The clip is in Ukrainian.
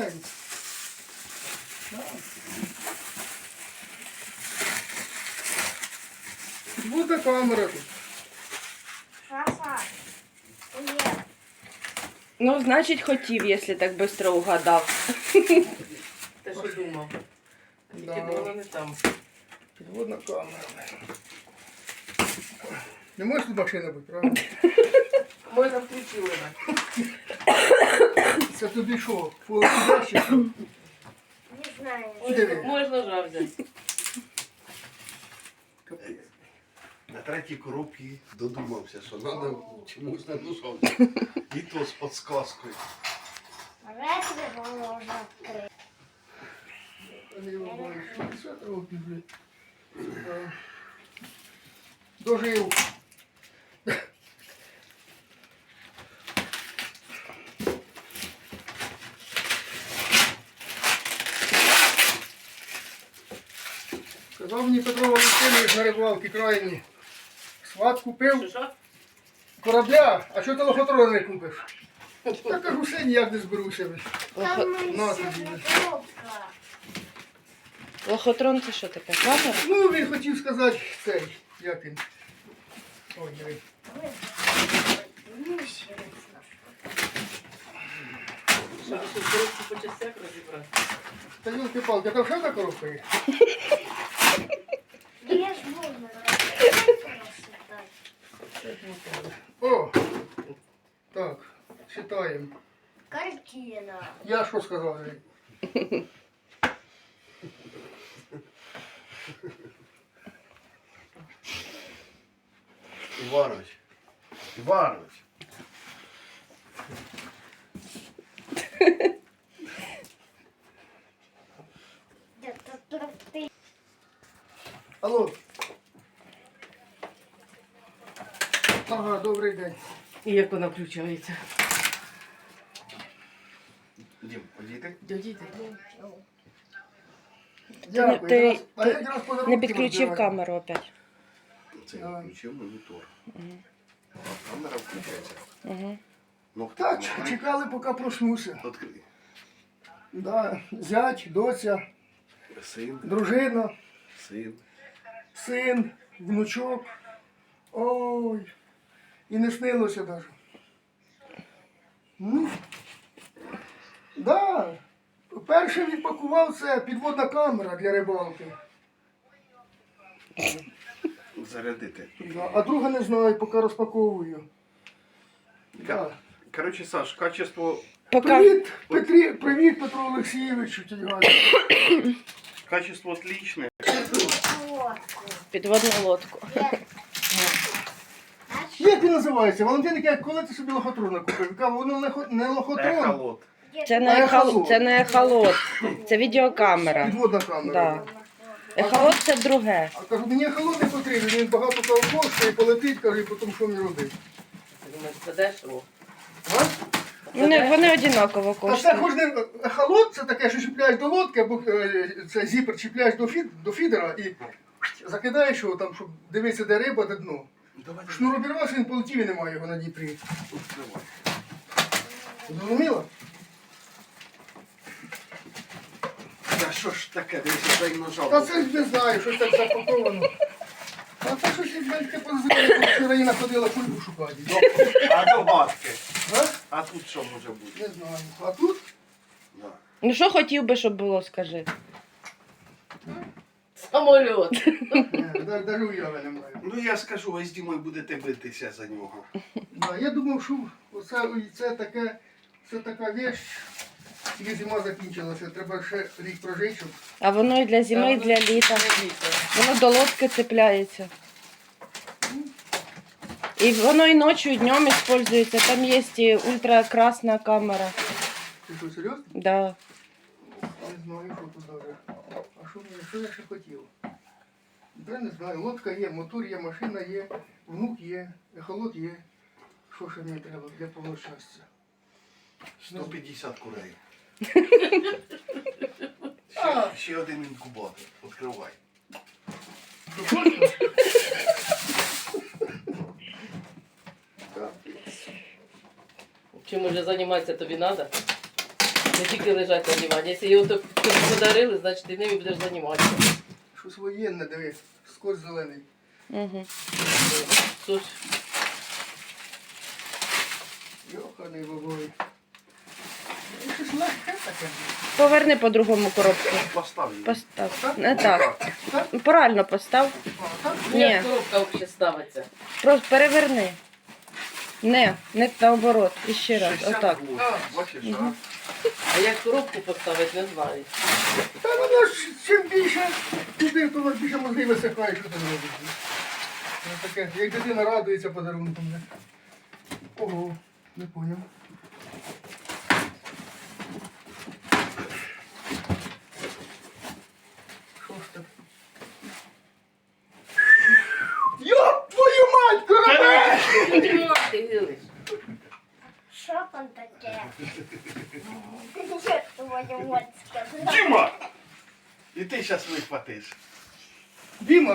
знаю. Буде камера тут. Саша, привет. Ну, значить, хотів, якщо так швидко угадав. Те, що думав. Тільки Да. було не там. Підводна камера. Не може тут машина бути, правда? Можна включили. Це тобі що, полосудяще? Не знаю. Диви. Можна жар взяти. На третій коробці додумався, що треба чомусь надушав. І то з підсказкою. Ретро можна відкрити. Що це робить, блядь? Дожив. Сказав мені Петро Валентинович на рибалці крайні. Сват купив Що? корабля, а що ти лохотрона не купиш? Я кажу, все ніяк не зберуся. Там На ще тобі. коробка. Лохотрон це що таке? Камера? Ну, він хотів сказати цей, як він. Ой, диви. Ну, ще раз. Щоб ще в коробці по частях розібрати. Та ёлки-палки, там ще одна коробка є? Я ж можна О! Так, читаємо. Картина. Я що сказав? Іванович. Іванович. Ти. Алло. Ага, добрий день. І як вона включається? Дім, подійти? Дядіти. Дякую. ти- Якраз- а ти я якраз подарунки Не підключив розбираю. камеру опять. Це я включив монітор. А камера включається. Угу. Ну, Так, чекали, поки проснуся. Відкрий. Да, зять, доця, Син, дружина, син. син, внучок. Ой. І не снилося навіть. Ну, да. Перше відпакував це підводна камера для рибалки. Зарядити. Да. А друга не знаю, поки розпаковую. Да. Коротше, Саш, качество, Поки Привіт, Петру Олексійовичу, тільки. качество отличне. підводну лодку. Як він називається? Валентин каже, коли ти собі лохотрона купив? Каже, воно не лохотрон, Ехолот. Це не ехолот. Це не ехолот. Це відеокамера. підводна камера. Да. Ехолот це друге. А кажу, мені ехолот не потрібен, він багато того коштує, полетить, каже, і потім що мені робити? Думаєш, це дешево? А? Вони однаково Та це коштують. хоч не ехолот, це таке, що чіпляєш до лодки, або це зіпер чіпляєш до фідера і закидаєш його там, щоб дивитися, де риба, де дно. Давай, Шнур обірвався, він полетів і немає його на Дніпрі. відкривай. Зрозуміло? Та що ж таке, дивися, дай нажав. Та це ж не знаю, щось так запаковано. А це щось таке позиційне, вчора Іна ходила кульку шукати. А до батки. А? А тут що може бути? Не знаю. А тут? Да. Ну що хотів би, щоб було, скажи. Самольот. Навіть уяви немає. Ну я скажу, ви з Дімою будете битися за нього. Да, я думав, що це така вещь, тільки зима закінчилася, треба ще рік прожити, щоб... А воно і для зими, і для літа. Воно до лодки цепляється. І воно і ночі, і днем використовується. Там є і ультракрасна камера. Ти що, серйозно? Да. Не знаю, що тут даже. А що я ще хотів? Я не знаю, лодка є, мотор є, машина є, внук є, ехолот є. Що ще мені треба для повного щастя? 150 курей. А. Ще один інкубатор. Відкривай. Чим уже займатися тобі треба? Не тільки лежать на дивані. Якщо його так подарили, значить ти ним і будеш займатися. Щось воєнне, диви, скотч зелений. Угу. Тож, Йоханий бабой. Щось легке таке. Поверни по другому коробку. Постав її. Постав. Не так. Правильно постав. А, так? Ні. як коробка взагалі ставиться? Просто переверни. Не наоборот. І ще раз. 60 Отак. год. А. Бачиш, Мгм. А як коробку поставити, не знаю. Та воно ж чим більше туди, то воно більше мозги висихає, що ти не робиш. Це таке, як дитина радується подарунком. не? Ого, не поняв. Що ж це? Йоп, твою мать, корабель! Ти гилиш. Що там таке? Що твою мать сказала? Діма! І ти зараз вихватиш. Діма,